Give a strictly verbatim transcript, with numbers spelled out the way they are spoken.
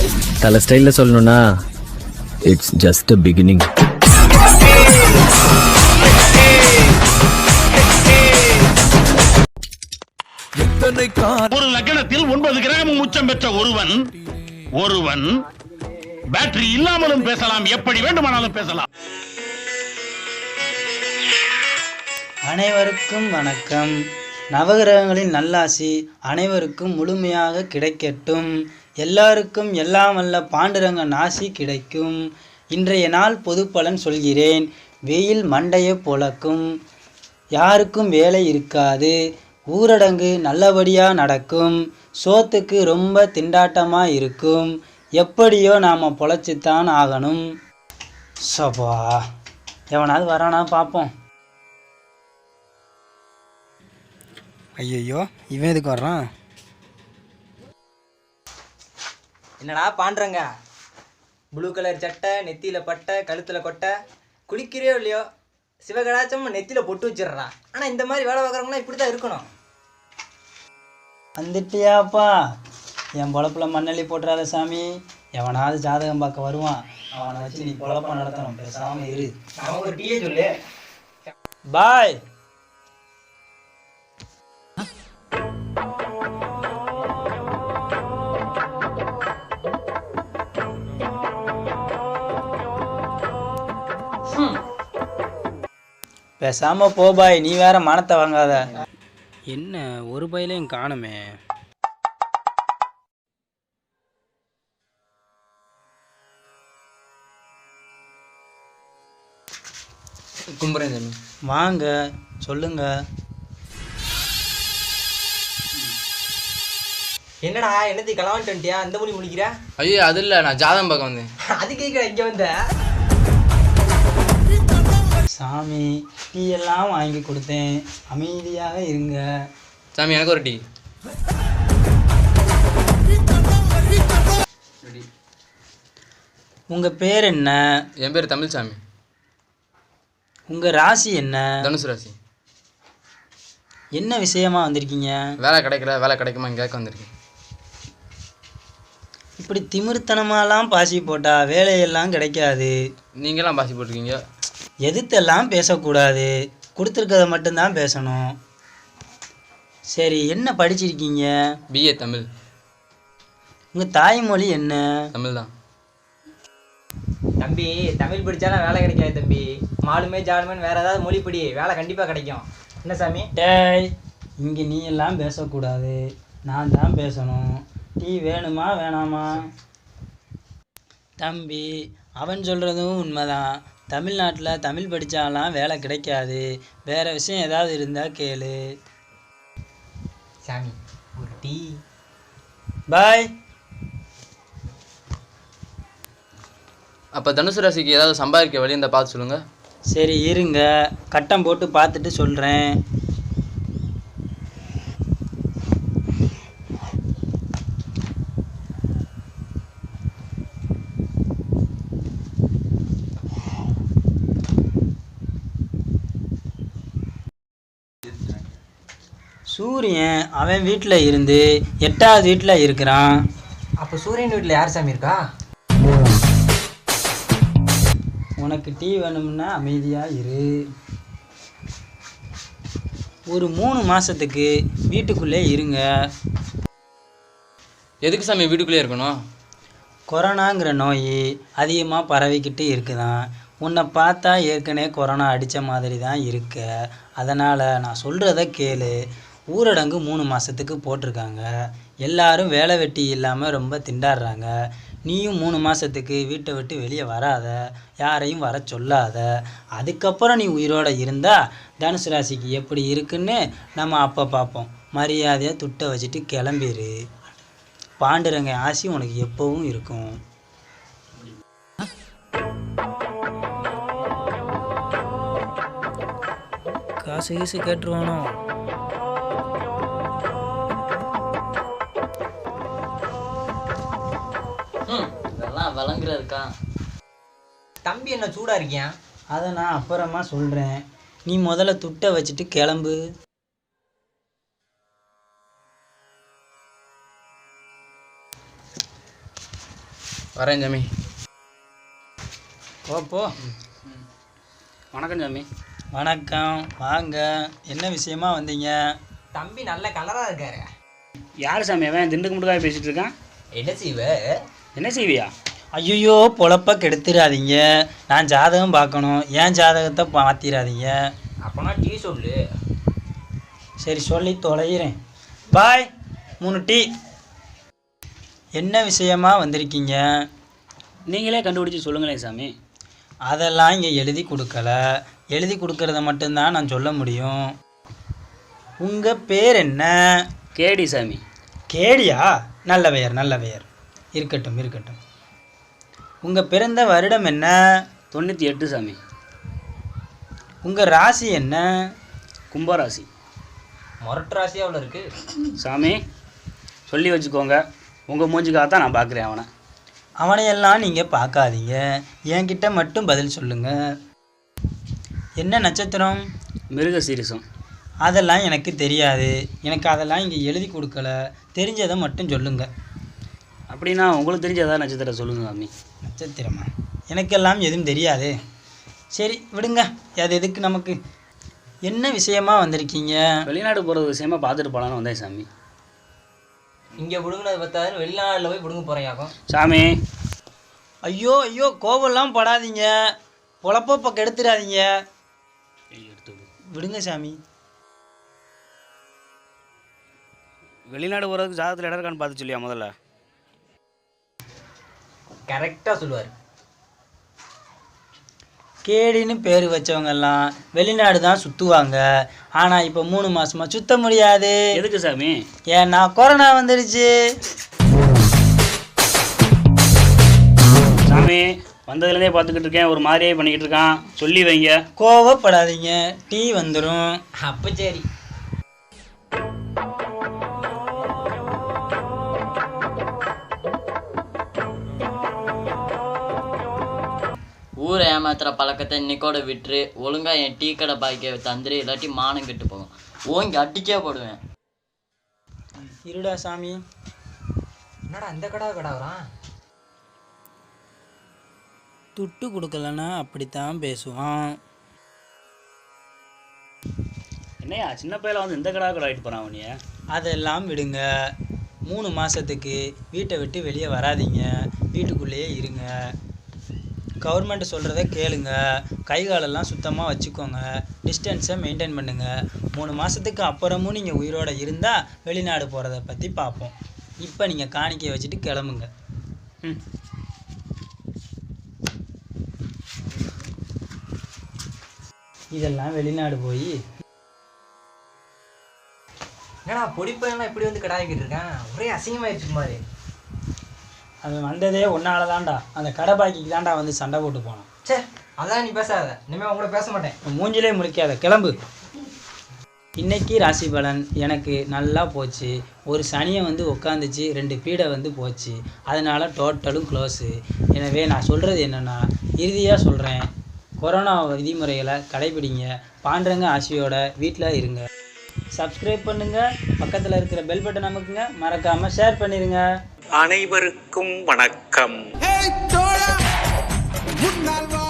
தலை ஸ்டைலில் சொல்லணும்னா இட்ஸ் ஜஸ்ட் அ பிகினிங். ஒரு லக்னத்தில் ஒன்பது கிராம் உச்சம் பெற்ற ஒருவன் ஒருவன் பேட்டரி இல்லாமலும் பேசலாம், எப்படி வேண்டுமானாலும் பேசலாம். அனைவருக்கும் வணக்கம். நவகிரகங்களின் நல்லாசி அனைவருக்கும் முழுமையாக கிடைக்கட்டும். எல்லாருக்கும் எல்லாம் வல்ல பாண்டுரங்கன் ஆசி கிடைக்கும். இன்றைய நாள் பொது பலன் சொல்கிறேன். வெயில் மண்டையை பொளக்கும், யாருக்கும் வேலை இருக்காது, ஊரடங்கு நல்லபடியாக நடக்கும், சோத்துக்கு ரொம்ப திண்டாட்டமாக இருக்கும், எப்படியோ நாம் பொழைச்சித்தான் ஆகணும். சப்பா, எவனாவது வரானா பார்ப்போம். ஐயோ, இவன் எதுக்கு வர்றான்? என்னடா பாண்டுறங்க, ப்ளூ கலர் சட்டை, நெத்தியில் பட்டை, கழுத்தில் கொட்டை, குளிக்கிறியோ இல்லையோ சிவகடாச்சம் நெத்தியில் பொட்டு வச்சிடுறா. ஆனால் இந்த மாதிரி வேலை பார்க்குறவங்களாம் இப்படி தான் இருக்கணும். வந்துட்டியாப்பா, என் பொழப்புல மண்ணள்ளி போட்டுறாத சாமி. எவனாவது ஜாதகம் பார்க்க வருவான், அவனை வச்சு நீ பொழப்ப நடத்தணும். பேசாம இரு. அவன் ஒரு டீயே சொல்லு. பாய். பேசாம போ பாய், நீ வேற மானத்தை வாங்காத. என்ன ஒரு பையிலையும் காணுமே. கும்புறேன் சாமி. வாங்க, சொல்லுங்க. என்னடா என்னத்தி கலவான்ட்டு வந்துட்டியா? இந்த மொழி முடிக்கிற? ஐயோ அது இல்லை, நான் ஜாதகம் பார்க்க வந்தேன். அது கேட்குற இங்கே வந்த சாமி, டீ எல்லாம் வாங்கி கொடுத்தேன், அமைதியாக இருங்க. சாமி எனக்கு ஒரு டீ. உங்க பேர் என்ன? என் பேர் தமிழ்சாமி. உங்க ராசி என்ன? தனுசு ராசி. என்ன விஷயமா வந்திருக்கீங்க? வேலை கிடைக்கல, வேலை கிடைக்குமா கேட்க வந்திருக்கேன். இப்படி திமிர்த்தனமாலாம் பாசி போட்டா வேலையெல்லாம் கிடைக்காது. நீங்களாம் பாசி போட்டிருக்கீங்க. எதிர்த்தெல்லாம் பேசக்கூடாது, கொடுத்துருக்கதை மட்டும்தான் பேசணும். சரி, என்ன படிச்சிருக்கீங்க? பிஏ தமிழ். உங்கள் தாய்மொழி என்ன? தமிழ் தான். தம்பி, தமிழ் படித்தாலும் வேலை கிடைக்காது தம்பி. மாலுமே ஜாலுமேன்னு வேறு ஏதாவது மொழி படி, வேலை கண்டிப்பாக கிடைக்கும். என்ன சாமி? டேய், இங்கே நீ எல்லாம் பேசக்கூடாது, நான் தான் பேசணும். டீ வேணுமா வேணாமா? தம்பி, அவன் சொல்கிறதும் உண்மைதான். தமிழ்நாட்டில் தமிழ் படித்தாலாம் வேலை கிடைக்காது. வேறு விஷயம் ஏதாவது இருந்தால் கேளு. சாமி ஒரு டீ. பாய். அப்போ தனுசு ராசிக்கு ஏதாவது சம்பாதிக்க வழி இருந்தால் பார்த்து சொல்லுங்கள். சரி இருங்க, கட்டம் போட்டு பார்த்துட்டு சொல்கிறேன். சூரியன் அவன் வீட்டில் இருந்து எட்டாவது வீட்டில் இருக்கிறான். அப்போ சூரியன் வீட்டில் யார் சாமி இருக்கா? உனக்கு டீ வேணும்னா அமைதியாக இரு. ஒரு மூணு மாதத்துக்கு வீட்டுக்குள்ளே இருங்க. எதுக்கு சாமி வீட்டுக்குள்ளே இருக்கணும்? கொரோனாங்கிற நோய் அதிகமாக பரவிக்கிட்டு இருக்குதான். உன்னை பார்த்தா ஏற்கனவே கொரோனா அடித்த மாதிரி தான் இருக்க. அதனால் நான் சொல்கிறத கேளு. ஊரடங்கு மூணு மாதத்துக்கு போட்டிருக்காங்க. எல்லாரும் வேலை வெட்டி இல்லாமல் ரொம்ப திண்டாடுறாங்க. நீயும் மூணு மாதத்துக்கு வீட்டை விட்டு வெளியே வராத, யாரையும் வர சொல்லாத. அதுக்கப்புறம் நீ உயிரோடு இருந்தால் தனுசு ராசிக்கு எப்படி இருக்குன்னு நம்ம அப்போ பார்ப்போம். மரியாதையாக துட்டை வச்சுட்டு கிளம்பிடு. பாண்டுரங்க ஆசி உனக்கு எப்பவும் இருக்கும். காசு கீசு கேட்டுருவானோ? இதெல்லாம் வழங்குற இருக்கா? தம்பி என்ன சூடாக இருக்கியா? அதை நான் அப்புறமா சொல்கிறேன். நீ முதல்ல துட்டை வச்சுட்டு கிளம்பு. வரேன் சாமி. போ போ. வணக்கம் சாமி. வணக்கம், வாங்க. என்ன விஷயமா வந்தீங்க? தம்பி நல்ல கலராக இருக்காரு. யார் சாமி அவன் திண்டுக்கு முடுக்காக பேசிகிட்டு இருக்கான்? என்ன செய்வ? என்ன செய்வியா? ஐயோ, பொழப்ப கெடுத்துடாதீங்க. நான் ஜாதகம் பார்க்கணும், ஏன் ஜாதகத்தை மாற்றிடாதீங்க. அப்போனா டீ சொல்லு. சரி, சொல்லி தொலைகிறேன். பாய். மூணு டீ. என்ன விஷயமா வந்திருக்கீங்க? நீங்களே கண்டுபிடிச்சி சொல்லுங்களேன் சாமி. அதெல்லாம் இங்கே எழுதி கொடுக்கல. எழுதி கொடுக்கறத மட்டும்தான் நான் சொல்ல முடியும். உங்கள் பேர் என்ன? கேடி சாமி. கேடியா? நல்ல பெயர், நல்ல பெயர். இருக்கட்டும் இருக்கட்டும். உங்கள் பிறந்த வருடம் என்ன? தொண்ணூற்றி எட்டு சாமி. உங்கள் ராசி என்ன? கும்பராசி. மொரட்டு ராசியாக அவ்வளோ இருக்கு சாமி. சொல்லி வச்சுக்கோங்க, உங்கள் மூஞ்சிக்காகத்தான் நான் பார்க்குறேன் அவனை. அவனையெல்லாம் நீங்கள் பார்க்காதீங்க, என்கிட்ட மட்டும் பதில் சொல்லுங்கள். என்ன நட்சத்திரம்? மிருக சீரிசம். அதெல்லாம் எனக்கு தெரியாது. எனக்கு அதெல்லாம் இங்கே எழுதி கொடுக்கல. தெரிஞ்சதை மட்டும் சொல்லுங்கள். அப்படின்னா உங்களுக்கு தெரிஞ்ச ஏதாவது நட்சத்திரம் சொல்லுங்க சாமி. நட்சத்திரமா? எனக்கெல்லாம் எதுவும் தெரியாது. சரி விடுங்க, அது எதுக்கு நமக்கு. என்ன விஷயமா வந்திருக்கீங்க? வெளிநாடு போகிறது விஷயமா பார்த்துட்டு போகலான்னு வந்தேன் சாமி. இங்கே பிடுங்கினது பத்தாதுன்னு வெளிநாட்டில் போய் பிடுங்க போகிறேன் சாமி. ஐயோ ஐயோ, கோபம்லாம் படாதீங்க, பொழப்ப கெடுத்துடாதீங்க. விடுங்க சாமி. வெளிநாடு போகிறதுக்கு ஜாதகத்தில் இடம் இருக்கான்னு பார்த்து சொல்லியா முதல்ல? கரெக்டாக சொல்லுவார். கேடின்னு பேர் வச்சவங்கெல்லாம் வெளிநாடு தான் சுற்றுவாங்க. ஆனால் இப்போ மூணு மாதமாக சுற்ற முடியாது. எதுக்கு சாமி? ஏன்னா கொரோனா வந்துடுச்சு. சாமி வந்ததுலேருந்தே பார்த்துக்கிட்டு இருக்கேன், ஒரு மாதிரியே பண்ணிக்கிட்டு இருக்கான். சொல்லி வைங்க. கோவப்படாதீங்க, டீ வந்துடும். அப்போ சரி. ஊரை ஏமாத்துற பழக்கத்தை இன்னைக்கோட விட்டுரு. ஒழுங்கா என் டீ கடை பாய்க்க தந்துரு, இல்லாட்டி மானம் கெட்டு போகும். ஓங்கி அடிச்சே போடுவேன். இருடா சாமி. என்னடா இந்த கடா கடாவறான்? துட்டு கொடுக்கலன்னா அப்படித்தான் பேசுவான். என்னையா சின்ன பையில வந்து இந்த கடா கடை ஆகிட்டு போகிறான் அவனிய? அதெல்லாம் விடுங்க. மூணு மாதத்துக்கு வீட்டை விட்டு வெளியே வராதீங்க, வீட்டுக்குள்ளேயே இருங்க. கவர்மெண்ட் சொல்கிறத கேளுங்க, கை காலெல்லாம் சுத்தமாக வச்சுக்கோங்க, டிஸ்டன்ஸை மெயின்டைன் பண்ணுங்கள். மூணு மாதத்துக்கு அப்புறமும் நீங்கள் உயிரோடு இருந்தால் வெளிநாடு போகிறத பற்றி பார்ப்போம். இப்போ நீங்கள் காணிக்கையை வச்சுட்டு கிளம்புங்க. ம். இதெல்லாம் வெளிநாடு போய் என்னடா பொடிப்பையெல்லாம் இப்படி வந்து கடாய்கிட்டு இருக்கேன், ஒரே அசிங்கமாயிடுச்சு மாதிரி. அவன் வந்ததே ஒன்னால தான்டா, அந்த கடை பாக்கிக்கு தான்டா வந்து சண்டை போட்டு போனான். சே, அதான் நீ பேசாத, இனிமேல் அவங்க கூட பேச மாட்டேன். மூஞ்சிலே முழிக்காத, கிளம்பு. இன்னைக்கு ராசி பலன் எனக்கு நல்லா போச்சு. ஒரு சனியை வந்து உட்காந்துச்சு, ரெண்டு பீடை வந்து போச்சு. அதனால் டோட்டலும் க்ளோஸு. எனவே நான் சொல்கிறது என்னென்னா, இறுதியாக சொல்கிறேன், கொரோனா விதிமுறைகளை கடைபிடிங்க. பாண்டரங்க ஆசியோட வீட்டில் இருங்க. சப்ஸ்கிரைப் பண்ணுங்கள், பக்கத்தில் இருக்கிற பெல் பட்டன் அமுக்குங்க, மறக்காமல் ஷேர் பண்ணிடுங்க. அனைவருக்கும் வணக்கம்.